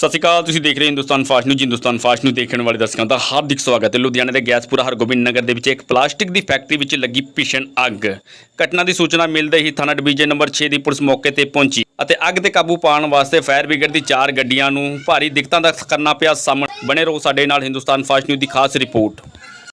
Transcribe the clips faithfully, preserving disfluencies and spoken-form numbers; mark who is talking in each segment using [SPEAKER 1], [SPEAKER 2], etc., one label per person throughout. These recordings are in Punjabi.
[SPEAKER 1] ਸਤਿ ਸ਼੍ਰੀ ਅਕਾਲ। ਤੁਸੀਂ ਦੇਖ ਰਹੇ Hindustan Fast News. Hindustan Fast News ਦੇਖਣ ਵਾਲੇ ਦਰਸ਼ਕਾਂ ਦਾ ਹਾਰਦਿਕ ਸਵਾਗਤ ਹੈ। ਲੁਧਿਆਣਾ ਦੇ ਗੈਸਪੁਰਾ ਹਰਗੋਬਿੰਦ ਨਗਰ ਦੇ ਵਿੱਚ ਇੱਕ ਪਲਾਸਟਿਕ ਦੀ ਫੈਕਟਰੀ ਵਿੱਚ ਲੱਗੀ ਭੀਸ਼ਣ ਅੱਗ। ਘਟਨਾ ਦੀ ਸੂਚਨਾ ਮਿਲਦੇ ਹੀ ਥਾਣਾ ਡਿਵੀਜ਼ਨ ਨੰਬਰ ਛੇ ਦੀ ਪੁਲਿਸ ਮੌਕੇ ਤੇ ਪਹੁੰਚੀ ਅਤੇ ਅੱਗ ਤੇ ਕਾਬੂ ਪਾਉਣ ਵਾਸਤੇ ਫਾਇਰ ਬ੍ਰਿਗੇਡ ਦੀ ਚਾਰ ਗੱਡੀਆਂ ਨੂੰ ਭਾਰੀ ਦਿੱਕਤਾਂ ਦਾ ਕਰਨਾ ਪਿਆ ਸਾਹਮਣੇ। ਬਣੇ ਰਹੋ ਸਾਡੇ ਨਾਲ। ਹਿੰਦੁਸਤਾਨ ਫਾਸਟ ਨਿਊਜ਼ ਦੀ ਖਾਸ ਰਿਪੋਰਟ।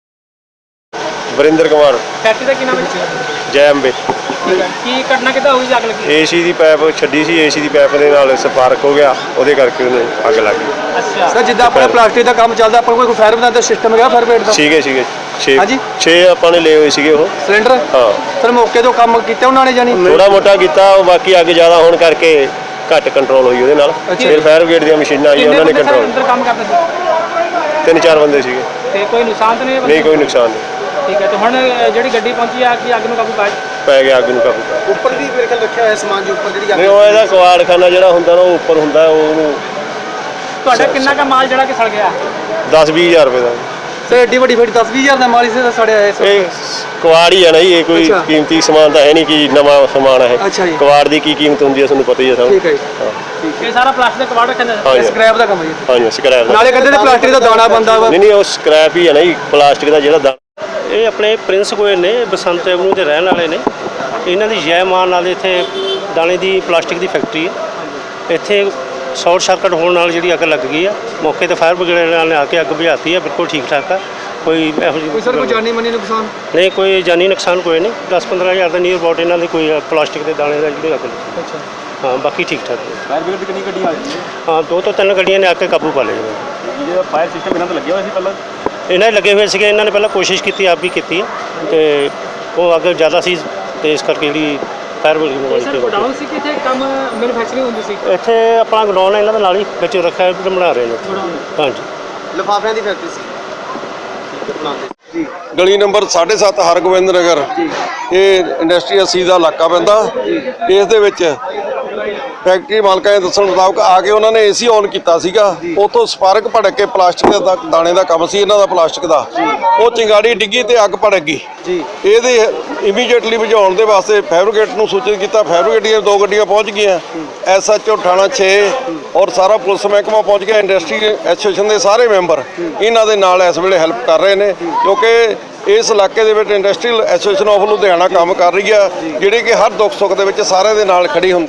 [SPEAKER 2] ਵਰਿੰਦਰ ਕੁਮਾਰ
[SPEAKER 3] ਫੈਕਟਰੀ ਦਾ ਕੀ ਨਾਮ ਹੈ?
[SPEAKER 2] ਜੈ ਅੰਬੇ।
[SPEAKER 3] ਕੀ ਘਟਨਾ ਕਿੱਦਾਂ ਹੋਈ? ਅੱਗ ਲੱਗੀ?
[SPEAKER 2] ਏਸੀ ਦੀ ਪਾਈਪ ਛੱਡੀ ਸੀ, ਏਸੀ ਦੀ ਪਾਈਪ ਦੇ ਨਾਲ ਸਪਾਰਕ ਹੋ ਗਿਆ, ਉਹਦੇ ਕਰਕੇ ਉਹਨੂੰ ਅੱਗ ਲੱਗ ਗਈ।
[SPEAKER 3] ਅੱਛਾ
[SPEAKER 4] ਸਰ, ਜਿੱਦਾਂ ਆਪਣਾ ਪਲਾਸਟਿਕ ਦਾ ਕੰਮ ਚੱਲਦਾ, ਆਪਾਂ ਕੋਈ ਫਾਇਰ ਬ੍ਰਿਗੇਡ ਦਾ ਸਿਸਟਮ ਹੈਗਾ? ਫਾਇਰ ਬ੍ਰਿਗੇਡ ਦਾ
[SPEAKER 2] ਸੀਗੇ ਸੀਗੇ ਛੇ
[SPEAKER 4] ਹਾਂਜੀ
[SPEAKER 2] ਛੇ ਆਪਾਂ ਨੇ ਲਏ ਹੋਏ ਸੀਗੇ ਉਹ
[SPEAKER 4] ਸਿਲੰਡਰ।
[SPEAKER 2] ਹਾਂ
[SPEAKER 4] ਸਰ, ਮੌਕੇ ਤੋਂ ਕੰਮ ਕੀਤਾ ਉਹਨਾਂ ਨੇ ਜਾਨੀ
[SPEAKER 2] ਥੋੜਾ ਮੋਟਾ ਕੀਤਾ, ਬਾਕੀ ਅੱਗ ਜ਼ਿਆਦਾ ਹੋਣ ਕਰਕੇ ਘੱਟ ਕੰਟਰੋਲ ਹੋਈ ਉਹਦੇ ਨਾਲ। ਫਿਰ ਫਾਇਰ ਬ੍ਰਿਗੇਡ ਦੀਆਂ ਮਸ਼ੀਨਾਂ ਆਈਆਂ, ਉਹਨਾਂ ਨੇ ਕੰਟਰੋਲ।
[SPEAKER 3] ਅੰਦਰ ਕੰਮ ਕਰਦੇ ਸੀ?
[SPEAKER 2] ਤਿੰਨ ਚਾਰ ਬੰਦੇ ਸੀਗੇ।
[SPEAKER 3] ਤੇ ਕੋਈ ਨੁਕਸਾਨ ਤਾਂ ਨਹੀਂ?
[SPEAKER 2] ਨਹੀਂ, ਕੋਈ ਨੁਕਸਾਨ ਨਹੀਂ।
[SPEAKER 3] ਠੀਕ ਹੈ। ਤੇ ਹੁਣ ਜਿਹੜੀ ਗੱਡੀ ਪਹੁੰਚੀ ਆ ਕਿ ਅੱਗ ਨੂੰ ਕਾਬੂ ਪਾਇਆ?
[SPEAKER 2] ਪੈ ਗਿਆ ਅੱਗ ਨੂੰ ਕਾਬੂ।
[SPEAKER 4] ਉੱਪਰ ਵੀ ਮੇਰੇ ਖਿਆਲ ਰੱਖਿਆ ਹੋਇਆ ਸਮਾਨ ਜੀ, ਉੱਪਰ ਜਿਹੜੀ
[SPEAKER 2] ਨਹੀਂ, ਉਹ ਇਹਦਾ ਕਵਾੜਖਾਨਾ ਜਿਹੜਾ ਹੁੰਦਾ ਨਾ, ਉਹ ਉੱਪਰ ਹੁੰਦਾ, ਉਹਨੂੰ
[SPEAKER 3] ਤੁਹਾਡਾ ਕਿੰਨਾ ਕਾ ਮਾਲ ਜਿਹੜਾ ਕਿ ਸੜ ਗਿਆ?
[SPEAKER 2] ਦਸ ਵੀਹ ਹਜ਼ਾਰ ਰੁਪਏ ਦਾ।
[SPEAKER 4] ਸਰ, ਐਡੀ ਵੱਡੀ ਫੈਕਟਰੀ ਦਸ ਵੀਹ ਹਜ਼ਾਰ ਦਾ ਮਾਲ ਇਸੇ ਦਾ ਸੜਿਆ ਹੈ।
[SPEAKER 2] ਇਹ ਕਵਾੜ ਹੀ ਹੈ ਨਾ ਜੀ, ਇਹ ਕੋਈ
[SPEAKER 4] ਅੱਛਾ।
[SPEAKER 2] ਕੀਮਤੀ ਸਮਾਨ ਤਾਂ ਹੈ ਨਹੀਂ ਕਿ ਨਵਾਂ ਸਮਾਨ ਹੈ।
[SPEAKER 4] ਅੱਛਾ ਜੀ।
[SPEAKER 2] ਕਵਾੜ ਦੀ ਕੀ ਕੀਮਤ ਹੁੰਦੀ ਹੈ ਤੁਹਾਨੂੰ ਪਤਾ ਹੀ ਹੈ ਸਭ।
[SPEAKER 4] ਠੀਕ ਹੈ ਜੀ।
[SPEAKER 2] ਹਾਂ
[SPEAKER 3] ਇਹ ਸਾਰਾ ਪਲਾਸਟਿਕ ਦਾ ਕਬਾੜ ਰੱਖਿਆ ਜਾਂਦਾ?
[SPEAKER 2] ਹਾਂਜੀ
[SPEAKER 4] ਸਕ੍ਰੈਪ ਦਾ ਕੰਮ ਹੈ ਜੀ।
[SPEAKER 2] ਹਾਂਜੀ, ਸਕ੍ਰੈਪ ਦਾ।
[SPEAKER 4] ਨਾਲੇ ਕਹਿੰਦੇ ਨੇ ਪਲਾਸਟਿਕ ਦਾ ਦਾਣਾ ਬੰਦਾ ਵਾ।
[SPEAKER 2] ਨਹੀਂ ਨਹੀਂ, ਉਹ ਸਕ੍ਰੈਪ ਹੀ ਹੈ ਨਾ ਜੀ, ਪਲਾਸਟਿਕ ਦਾ ਜਿਹੜਾ ਦਾਣਾ।
[SPEAKER 5] ਇਹ ਆਪਣੇ ਪ੍ਰਿੰਸ ਗੋਇਲ ਨੇ, ਬਸੰਤ ਐਵਨਿਊ ਦੇ ਰਹਿਣ ਵਾਲੇ ਨੇ। ਇਹਨਾਂ ਦੀ ਜੈ ਮਾਨ ਨਾਲ ਇੱਥੇ ਦਾਣੇ ਦੀ ਪਲਾਸਟਿਕ ਦੀ ਫੈਕਟਰੀ ਹੈ। ਇੱਥੇ ਸ਼ਾਰਟ ਸਰਕਟ ਹੋਣ ਨਾਲ ਜਿਹੜੀ ਅੱਗ ਲੱਗ ਗਈ ਆ। ਮੌਕੇ ਤੇ ਫਾਇਰ ਬ੍ਰਿਗੇਡ ਨੇ ਆ ਕੇ ਅੱਗ ਬੁਝਾਤੀ ਹੈ। ਬਿਲਕੁਲ ਠੀਕ ਠਾਕ ਆ, ਕੋਈ ਇਹੋ ਜਿਹੀ
[SPEAKER 4] ਕੋਈ ਸਰ ਕੋਈ ਜਾਨੀ ਮਾਨੀ ਨੁਕਸਾਨ?
[SPEAKER 5] ਨਹੀਂ, ਕੋਈ ਜਾਨੀ ਨੁਕਸਾਨ ਕੋਈ ਨਹੀਂ। ਦਸ ਪੰਦਰਾਂ ਹਜ਼ਾਰ ਦਾ ਨੀਅਰ ਅਬਾਊਟ ਇਹਨਾਂ ਦੀ ਕੋਈ ਪਲਾਸਟਿਕ ਦੇ ਦਾਣੇ ਦਾ ਜਿਹੜੀ ਅੱਗ ਲੱਗੀ।
[SPEAKER 4] ਅੱਛਾ।
[SPEAKER 5] ਹਾਂ, ਬਾਕੀ ਠੀਕ ਠਾਕ ਹੈ।
[SPEAKER 4] ਫਾਇਰ ਬ੍ਰਿਗੇਡ ਦੀ ਕਿੰਨੀ ਗੱਡੀ ਆ ਗਈ?
[SPEAKER 5] ਹਾਂ, ਦੋ ਤੋਂ ਤਿੰਨ ਗੱਡੀਆਂ ਨੇ ਆ ਕੇ ਕਾਬੂ ਪਾ ਲਿਆ ਜੀ।
[SPEAKER 4] ਇਹ ਫਾਇਰ ਸਿਸਟਮ ਇਹਨਾਂ ਤੇ ਲੱਗਿਆ ਹੋਇਆ ਸੀ ਪਹਿਲਾਂ?
[SPEAKER 5] ਇਹਨਾਂ ਦੇ ਲੱਗੇ ਹੋਏ ਸੀਗੇ। ਇਹਨਾਂ ਨੇ ਪਹਿਲਾਂ ਕੋਸ਼ਿਸ਼ ਕੀਤੀ, ਆਪ ਵੀ ਕੀਤੀ ਹੈ, ਅਤੇ ਉਹ ਅੱਗ ਜ਼ਿਆਦਾ ਸੀ ਅਤੇ ਇਸ ਕਰਕੇ ਜਿਹੜੀ ਫਾਇਰ ਬ੍ਰਿਗੇਡ ਨੂੰ
[SPEAKER 3] ਸਰ, ਗੋਡਾਊਨ ਸੀ ਕਿ ਇੱਥੇ ਕੰਮ ਮੈਨੂਫੈਕਚਰਿੰਗ ਹੁੰਦੀ ਸੀ?
[SPEAKER 5] ਇੱਥੇ ਆਪਣਾ ਗਰਾਊਂਡ ਹੈ ਇਹਨਾਂ ਦੇ ਨਾਲ ਹੀ, ਵਿੱਚ ਰੱਖਿਆ ਤੇ ਬਣਾ ਰਹੇ ਨੇ। ਹਾਂਜੀ,
[SPEAKER 4] ਲਿਫਾਫਿਆਂ ਦੀ ਫੈਕਟਰੀ ਸੀ ਜੀ।
[SPEAKER 6] ਗਲੀ ਨੰਬਰ ਸਾਢੇ ਸੱਤ ਹਰਗੋਬਿੰਦ ਨਗਰ। ਇਹ ਇੰਡਸਟਰੀ ਅੱਸੀ ਦਾ ਇਲਾਕਾ ਪੈਂਦਾ। ਇਸ ਦੇ ਵਿੱਚ ਫੈਕਟਰੀ ਮਾਲਕਾਂ ਦੇ ਦੱਸਣ ਮੁਤਾਬਕ ਆ ਕੇ ਉਹਨਾਂ ਨੇ ਏਸੀ ਔਨ ਕੀਤਾ ਸੀਗਾ। ਉੱਥੋਂ ਸਪਾਰਕ ਭੜਕ ਕੇ ਪਲਾਸਟਿਕ ਦਾ ਦਾਣੇ ਦਾ ਕੰਮ ਸੀ ਇਹਨਾਂ ਦਾ, ਪਲਾਸਟਿਕ ਦਾ। ਉਹ ਚਿੰਗਾੜੀ ਡਿੱਗੀ ਤੇ ਅੱਗ ਭੜਕ ਗਈ ਜੀ। ਇਹਦੇ ਇਮੀਡੀਏਟਲੀ ਬੁਝਾਉਣ ਦੇ ਵਾਸਤੇ ਫਾਇਰ ਬ੍ਰਿਗੇਡ ਨੂੰ ਸੂਚਿਤ ਕੀਤਾ। ਫਾਇਰ ਬ੍ਰਿਗੇਡ ਦੀਆਂ ਦੋ ਗੱਡੀਆਂ ਪਹੁੰਚ ਗਈਆਂ। ਐਸ ਐਚ ਓ ਥਾਣਾ ਛੇ ਔਰ ਸਾਰਾ ਪੁਲਿਸ ਮਹਿਕਮਾ ਪਹੁੰਚ ਗਿਆ। ਇੰਡਸਟਰੀ ਐਸੋਸੀਏਸ਼ਨ ਦੇ ਸਾਰੇ ਮੈਂਬਰ ਇਹਨਾਂ ਦੇ ਨਾਲ ਇਸ ਵੇਲੇ ਹੈਲਪ ਕਰ ਰਹੇ ਨੇ, ਕਿਉਂਕਿ ਇਸ ਇਲਾਕੇ ਦੇ ਵਿੱਚ ਇੰਡਸਟਰੀਅਲ ਐਸੋਸੀਏਸ਼ਨ ਆਫ ਲੁਧਿਆਣਾ ਕੰਮ ਕਰ ਰਹੀ ਆ, ਜਿਹੜੀ ਕਿ ਹਰ ਦੁੱਖ ਸੁੱਖ ਦੇ ਵਿੱਚ ਸਾਰਿਆਂ ਦੇ ਨਾਲ ਖੜੀ ਹੁੰਦੀ।